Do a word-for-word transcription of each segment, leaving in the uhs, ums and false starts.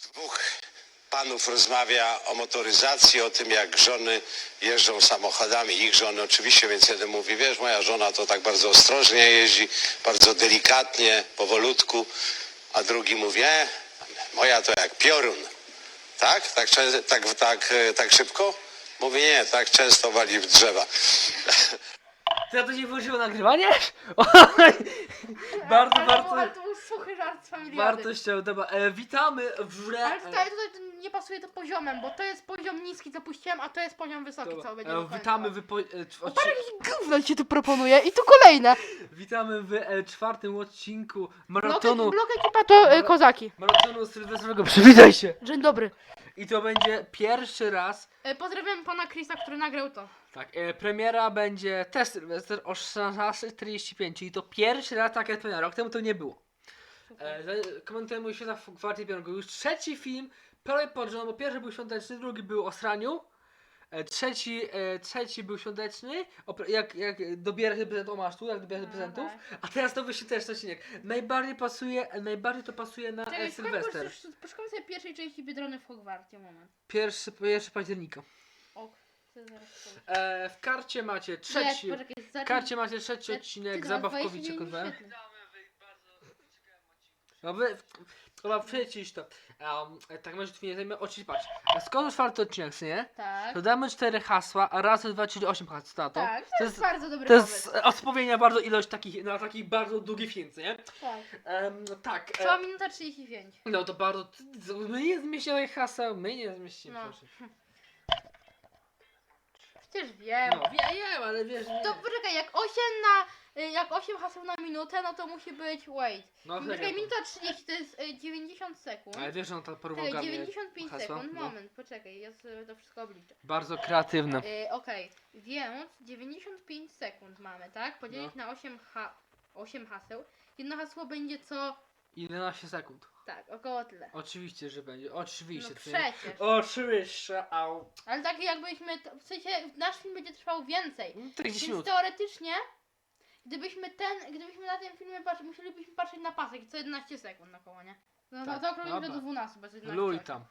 Dwóch panów rozmawia o motoryzacji, o tym, jak żony jeżdżą samochodami, ich żony oczywiście, więc jeden mówi, wiesz, moja żona to tak bardzo ostrożnie jeździ, bardzo delikatnie, powolutku, a drugi mówi, e, moja to jak piorun. Tak? Tak, często, tak, tak, tak szybko? Mówi, nie, tak często wali w drzewa. To ja to nie włożyło nagrywanie? bardzo, ale, bardzo, Ale to był suchy żart z familiady. wartościowo. Dobra, e, witamy w grze. Ale tutaj, tutaj to nie pasuje to poziomem, bo to jest poziom niski, co puściłem, a to jest poziom wysoki, Dobra, co będzie e, do końca. witamy w, po, e, w, O, parę jakichś gówno ci tu proponuje i tu kolejne. witamy w e, czwartym odcinku Blok, maratonu. blok ekipa to y, kozaki. Maratonu sylwestrowego. Przywitaj się! Dzień dobry. I to będzie pierwszy raz. Y, pozdrawiam pana Chrisa, który nagrał to. Tak, e, premiera będzie test Sylwester o szesnasta trzydzieści pięć, czyli to pierwszy raz taka premiera, rok temu to nie było. E, za- komentujemy mój świata w kwarcie piątego. Już trzeci film, prawie pod rząd, bo pierwszy był świąteczny, drugi był o sraniu. E, trzeci, e, trzeci był świąteczny, o, pre- jak, jak dobierasz się prezent, o masz tu, jak dobierasz się prezentów. A teraz to wyjdzie też odcinek. Najbardziej pasuje, najbardziej to pasuje na e, Czekaj, Sylwester. poszukamy sobie pierwszej części Biedrony w Hogwarcie, moment. Pierwszy, pierwszy października. O, chcę zaraz powiedzieć. E, w karcie macie trzeci, Nie, poczekaj, w zacznij- karcie macie trzeci Ty- odcinek ty zabawkowicze, dwa kurwa. dwadzieścia minut No wy, chyba przecisz to. Um, tak może tu nie zajmę, oczywiście patrz. Skoro czwarty odcinek, co nie? Tak. To damy cztery hasła, a raz, dwa, czyli osiem hasł, tato. Tak, to, to jest jest, bardzo dobry to jest pomysł. odpowiedź na bardzo ilość takich, na takich bardzo długi film, co nie? Tak. Um, tak. Trwała E, minuta trzydzieści pięć. no to bardzo, my nie zmieścimy haseł, my nie zmieścimy, No. proszę. Przecież wiem. No, wiem, ale wiesz, nie. To poczekaj, jak osiem na... y, Jak osiem haseł na minutę, no to musi być... Wait. No, Poczekaj, serio. minuta trzydzieści to jest y, dziewięćdziesiąt sekund. Ale wiesz, że on to porwał Czekaj, garnie dziewięćdziesiąt pięć hasła? sekund, No. moment, poczekaj, ja sobie to wszystko obliczę. Bardzo kreatywne. Y, Okej, więc dziewięćdziesiąt pięć sekund mamy, tak? Podzielić No. na osiem, ha osiem haseł. Jedno hasło będzie co... jedenaście sekund. Tak, około tyle. Oczywiście, że będzie. Oczywiście. No co nie? przecież. Oczywiście, au. Ale tak jakbyśmy, to, w sensie nasz film będzie trwał więcej. czterdzieści Więc minut. teoretycznie, gdybyśmy ten, gdybyśmy na tym filmie patrzyli, musielibyśmy patrzeć na pasek i co jedenaście sekund na koło, nie? No Tak, to, to okrąglimy dobra. do dwunastu, bez jedenaście. Luj tam.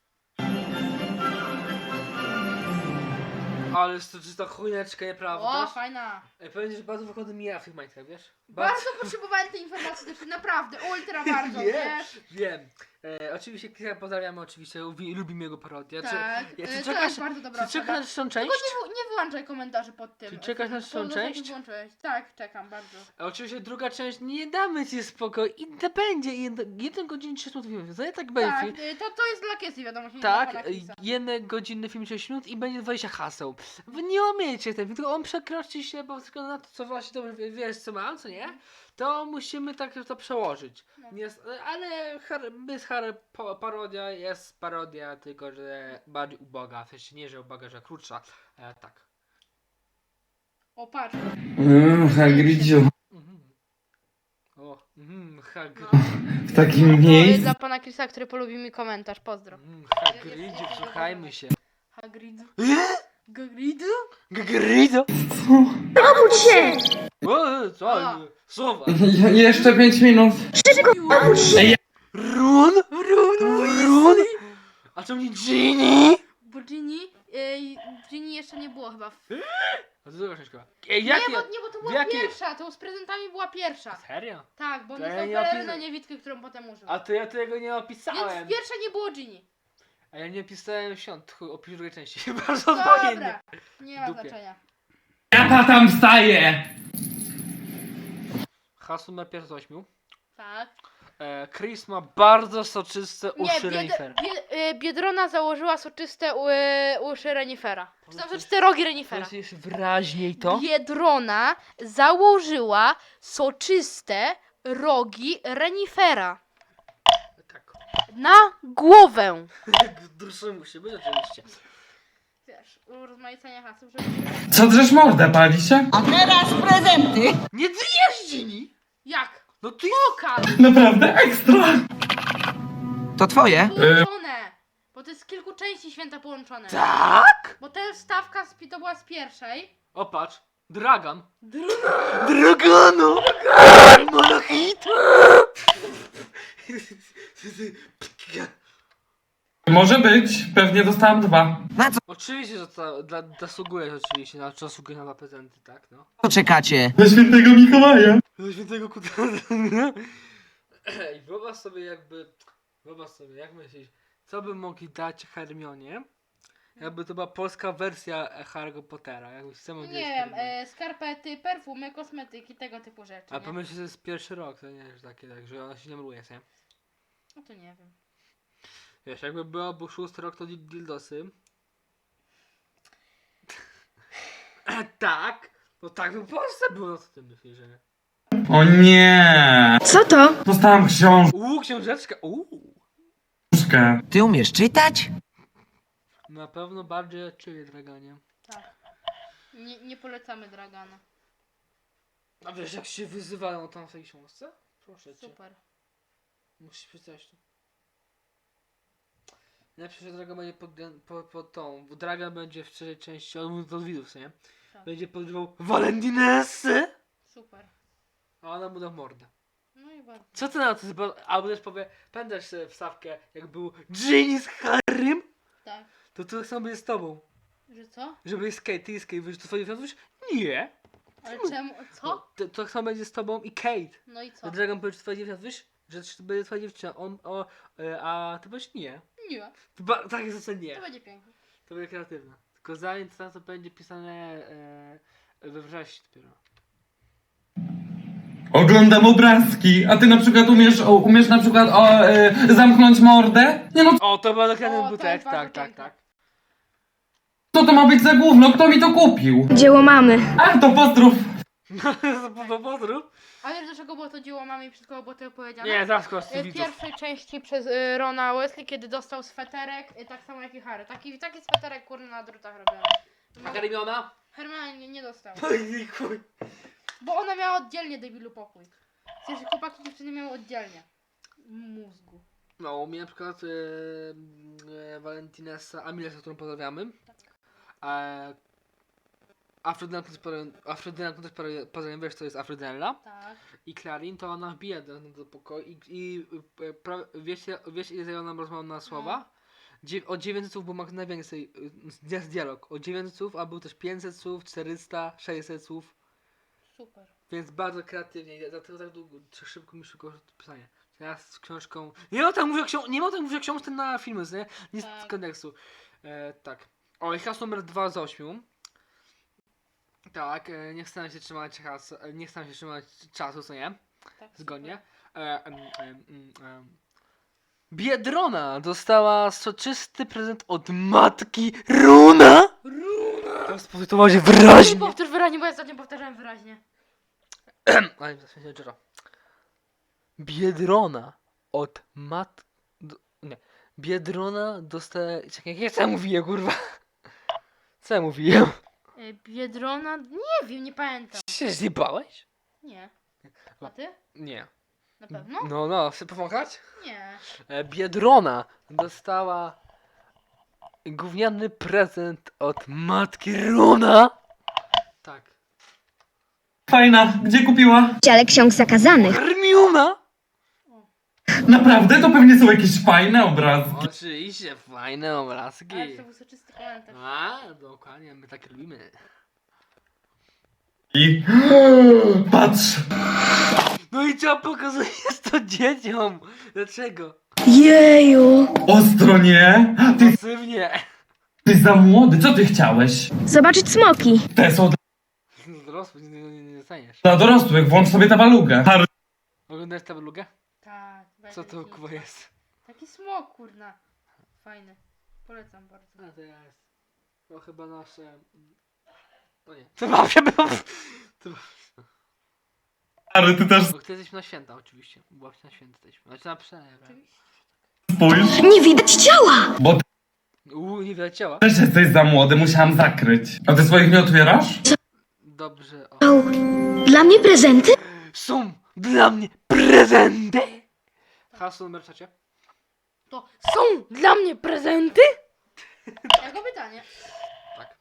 Ale jest to czysta chujeczka, O, nieprawda? fajna. Ej, powiem ci, że bardzo wychodzi mi ja w tych majtkach, wiesz? Bardzo potrzebowałem tej informacji, też naprawdę, ultra bardzo, Wiem, wiesz? wiem. E, oczywiście Krysia pozdrawiamy, oczywiście, lubi, lubimy jego parodię. Czy, Tak, ja, y, czy to czekasz, jest bardzo dobra czy czekasz osoba. na trzecią Tylko część? nie, w- nie wyłączaj komentarzy pod tym. Czy czekasz na trzecią To część? włączyłeś. Tak, czekam bardzo. A oczywiście druga część, nie damy ci spokój i to będzie jeden godzinny trzydzieści minut filmu, to nie tak będzie Tak, film. y, to, to jest dla Kiesy, wiadomo, nie dla Tak, pana Chrisa. jeden godzinny film sześć minut i będzie dwadzieścia haseł. Wy nie umiecie ten film, tylko on przekroczy się, bo tylko na to, co właśnie dobrze wie- wiesz, co mam, co nie? To musimy tak to przełożyć. No. Nie, jest- ale Harry, bez Harry po, parodia jest parodia, tylko że bardziej uboga. W sensie nie, że uboga, że krótsza. E, tak. O, patrz. Mmm, Hagridziu, Mhm. O, mhm, Hagrid. No. w takim To jest miejscu. dla pana Chrisa, który polubi mi komentarz, pozdro. Mhm, Hagridzie, słuchajmy się. Hagrid. E? Hagrid? Hagrido? Co? O, co? A. Słowa. Je- jeszcze pięć minut. Ej, Run? Run? Run? A co mnie Ginny? Bo Ginny, yy, Ginny jeszcze nie było chyba. W... A to druga książka. Ej, jakie? Nie, bo, nie, bo to była jakie- pierwsza, to z prezentami była pierwsza. Serio? Tak, bo on To ja dostał nie pelerynę opis- niewidkę, którą potem użył. A to ja tego nie Więc opisałem. w pierwszej nie było Ginny. A ja nie opisałem świąt, chuj, opisz drugiej części. Bardzo obojętnie. Dobra, nie ma Dupie. znaczenia. jaka tam wstaje? Hasło numer pierwszy z ośmiu. Tak. E, Chris ma bardzo soczyste Nie, uszy bied, renifera. bied, y, Biedrona założyła soczyste u, y, uszy renifera. Czy tam soczyste rogi renifera. Powiedz wyraźniej to. Biedrona założyła soczyste rogi renifera. Tak. Na głowę. Duszy musi być oczywiście. Wiesz, urozmaicenia haseł, żeby... Co drzesz mordę, pali się? A teraz prezenty! Nie zjesz Ginny! Jak? No ty Pokaż! Naprawdę ekstra. To twoje? Połączone! Bo to jest z kilku części święta połączone. Tak? Bo ta stawka z, to była z pierwszej. O patrz. Dragan. Druga. Dragano! Monachit! Może być, pewnie dostałam dwa. Na co Oczywiście, że to dla, zasługujesz oczywiście, na zasługujesz na dwa prezenty, tak, no. czekacie? Na świętego Mikołaja. Do świętego kuta. I wyobraź sobie jakby, wyobraź sobie, jak myślisz, co by mogli dać Hermionie, jakby to była polska wersja Harry'ego Pottera, jakbyś co mogli Nie dać wiem, Hermionie. e, skarpety, perfumy, kosmetyki, tego typu rzeczy, A nie? pomyśl, że to jest pierwszy rok, to nie jest takie, tak, że ona się nie mruje, nie? No to nie wiem. Wiesz, jakby było, był szósty rok, to dil- dildosy. Tak, no tak by w Polsce było, no co ty myślisz, że nie? O nie. Co to? Dostałam Uuu, książeczka, uuu. książkę. Ty umiesz czytać? Na pewno bardziej od ciebie, Draganie. Tak. Nie, nie polecamy Dragana. A wiesz, jak się wyzywają tam w tej książce? Proszę cię. Super. Musisz przeczytać to. Najlepsze, że Dragan będzie pod, pod, pod tą, bo Dragan będzie w trzeciej części, on od widzów, nie? Tak. Będzie podrywał Valentinessy, Super. a ona mu da w mordę. No i bardzo. Co ty na to? Bo- Albo też powie, pamiętasz sobie wstawkę, jak był Ginny z Harrym? Tak. To to samo będzie z tobą. Że co? Żeby jest Kate, ty jest Kate, wiesz, to twoje wiadomość? Nie. Ale czemu? Co? No, to, to samo będzie z tobą i Kate. No i co? To Dragon powie, że twoja dziewczyna, wiesz, że to będzie twoja dziewczyna, on, o, e, a ty powiesz nie. Nie. To ba- tak jest to nie. To będzie piękne. To będzie kreatywne. Tylko zanim to, to będzie pisane e, we wrześniu dopiero. Oglądam obrazki, a ty na przykład umiesz, o, umiesz na przykład o, e, zamknąć mordę? Nie no, O, to bardzo kreatywny O, to butek, jest bardzo tak, tak, piękne. tak. co to ma być za gówno? Kto mi to kupił? Dzieło mamy. A, to pozdrów. Po pozdrów? A wiesz dlaczego było to dzieło mamy i przed kogo było to opowiedziane? Nie, zaraz kogoś E, W widzów. pierwszej części przez y, Rona Wesley, kiedy dostał sweterek, y, tak samo jak i Harry. Taki, taki sweterek kurny na drutach robiony. A Hermiona? Hermiona nie, nie dostał. Oj, chuj. Bo ona miała oddzielnie debilu pokój. W sensie chłopaki i dziewczyny miały oddzielnie. Mózgu. No, u mnie na przykład e, e, Valentinessa Amilesa, którą pozdrawiamy. E, Afrodyna, Afrodyna, też pozdrawiam, wiesz co jest Afrodynella. Tak. I Clarin to ona wbija do, do pokoju i, i e, pra, wiecie, wiecie ile zajęła nam rozmowa na słowa? Dzie, o dziewięćset słów, bo ma najwięcej, y, jest dialog, o dziewięćset słów, a był też pięćset słów, czterysta, sześćset słów, Super. więc bardzo kreatywnie, i dlatego tak długo, tak szybko mi szybko pisanie. Teraz z książką, nie ma tak mówię o książce, nie ma tak mówię o książce na filmy, nie? Nie z Tak. kontekstu. E, tak. O, i hasło numer dwa z ośmiu. Tak, e, nie chcę się trzymać has, e, nie chcę się trzymać czasu, co nie? Tak, Zgodnie. E, em, em, em, em. Biedrona dostała soczysty prezent od matki Runa. Runa! To spoczytowało się Nie wyraźnie. powtórz wyraźnie, bo ja ostatnio powtarzałem wyraźnie. Ale w sensie Jero. Biedrona od mat... Do, nie. Biedrona dostała... Czekaj, jak ja mówiłem, kurwa? Co ja mówiłem? E, Biedrona? Nie wiem, nie pamiętam. Się zjebałeś? Nie. A ty? Nie. Na pewno? No, no, chcę pomagać? Nie. E, Biedrona dostała gówniany prezent od matki Runa. Tak. Fajna, gdzie kupiła? Dziale ksiąg zakazanych. Hermiona! Naprawdę? To pewnie są jakieś fajne obrazki. Oczywiście, fajne obrazki. Ale to był soczysty komentarz. A, dokładnie, my tak lubimy. I... Patrz! No i co pokazujesz to dzieciom? Dlaczego? Jeju. Ostro, nie? Ty Pasywnie. jesteś za młody, co ty chciałeś? Zobaczyć smoki. Te są Dorosły, nie, nie, nie dostaniesz. dla dorosłych, włącz sobie tabelugę. Har- Oglądasz tabelugę? Tak. Co to taki- kuba jest? Taki smok, kurna. Fajny. Polecam bardzo. A to jest. To chyba nasze... No nie. To babcia było... To... Ale ty też Bo ty jesteśmy na święta oczywiście. Babcia na święta jesteśmy. Znaczy na przelew. spójrz, Nie widać ciała. bo ty Uuu, nie widać ciała. też jesteś za młody, musiałam zakryć. A ty swoich nie otwierasz? Dobrze, o. Dla mnie prezenty? Są dla mnie prezenty! Hasło numer trzecie. To są dla mnie prezenty? Jako pytanie. Tak.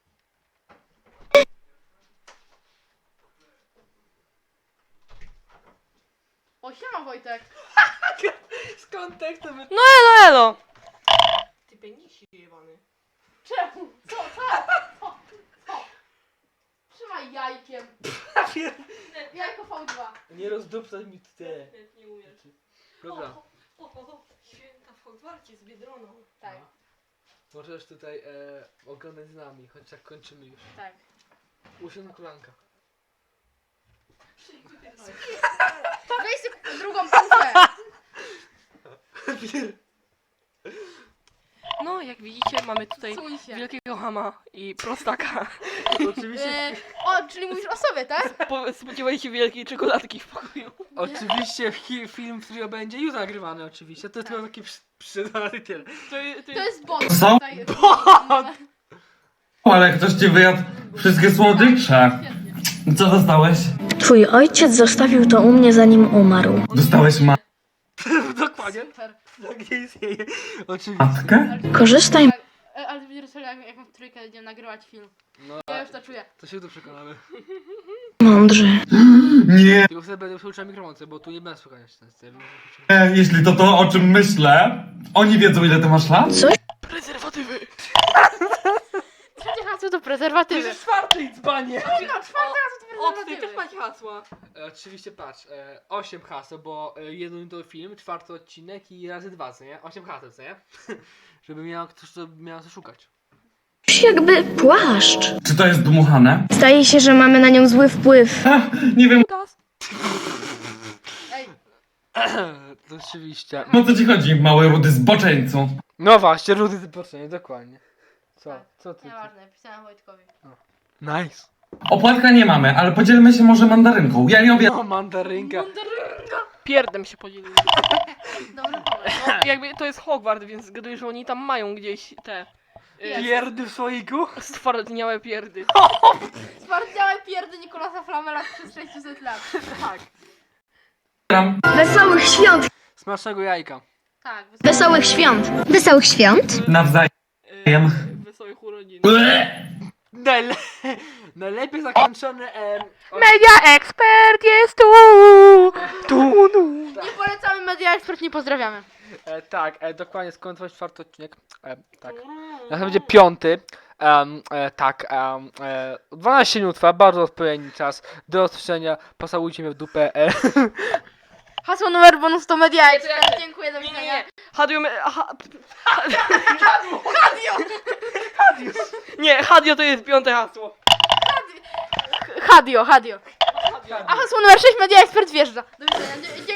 O, siema Wojtek. Z kontekstu my... No elo, elo. Ty penisi jebany. Czemu? Co? Co? Co? Co? Trzymaj jajkiem. Jajko V dwa. Nie rozdupcaj mi te. Nie, nie umiesz. Dobra, O, o, o, święta w Hogwarcie z Biedroną. Tak, możesz tutaj e, oglądać z nami, choć tak kończymy już. tak. Usiądź na kolankach. Weź sobie drugą półkę. No, jak widzicie, mamy tutaj Suj się. wielkiego hama i prostaka. Oczywiście, E, o, czyli mówisz o sobie, tak? Po- Spodziewaj się wielkiej czekoladki w pokoju. oczywiście fi, film, który będzie już nagrywany oczywiście. To jest tylko taki przy- przydany tyle. To, je- to To jest... jest bot. Co? Tutaj- Ale ktoś ci wyjadł wszystkie słodycze. Co dostałeś? Twój ojciec zostawił to u mnie zanim umarł. Dostałeś ma... Dokładnie. Super. Tak nie istnieje. Oczywiście. matkę? Korzystaj. E, Ale będzie rozstrzela, jak, jak w trójkę będziemy nagrywać film. No, Ja już to czuję. to się tu przekonamy. Mądrze. Nie. Tylko sobie będę przełączał mikrofonce, bo tu nie będę słuchać ten styl. E, Jeśli to to, o czym myślę, oni wiedzą, ile ty masz lat? Coś Prezerwatywy! Trzecie hasło to To prezerwatywy. jest czwarty dzbanie! No, czwarte hasło to O, tutaj też prezerwatywy. macie hasła. E, oczywiście patrz, e, osiem haseł, bo e, jeden to film, czwarty odcinek i razy dwa, co nie? osiem haseł, co nie? Żeby miał ktoś, to miał co szukać. jakby płaszcz. Czy to jest dmuchane? Zdaje się, że mamy na nią zły wpływ. Ha, nie wiem, Gaz. Ej, To oczywiście. o co ci chodzi, mały rudy zboczeńcu. No właśnie, rudy zobaczenie, dokładnie. Co? Co ty? ty? nieważne, pisałem Wojtkowi. Nice. Opłatka nie mamy, ale podzielmy się może mandarynką. Ja nie obiadam. No, mandarynka. Pierdem się podzielili. Dobry pomysł. No, jakby to jest Hogwart, więc zgaduję, że oni tam mają gdzieś te... Jest. Pierdy w słoiku? Stwardniałe pierdy. Zwarciałe pierdy Nikolasa Flamela przez sześćset lat. Tak. Wesołych świąt! Smacznego jajka. Tak, wysoko. Wesołych świąt! Wesołych świąt? Nawzajem. Yy, wesołych urodzin. Ble! Najle najlepiej zakończony em, od- Media Expert jest tu! Tu, tu. Nie polecamy Media Expert, nie pozdrawiamy. e, tak, e, dokładnie skończyć czwarty odcinek. E, tak. Następnie będzie piąty. Um, e, tak, um, e, dwanaście minut trwa, bardzo odpowiedni czas do usłyszenia. Posałujcie mnie w dupę. E. Hasło numer bonus to Media Expert. Dziękuję, do Nie, nie, widzenia. nie. Hadio... me- Ha, Hadio! Hadio! Nie, Hadio to jest piąte hasło. Hadio, Hadio. A hasło numer sześć Media Expert wjeżdża. Do widzenia. Dzie-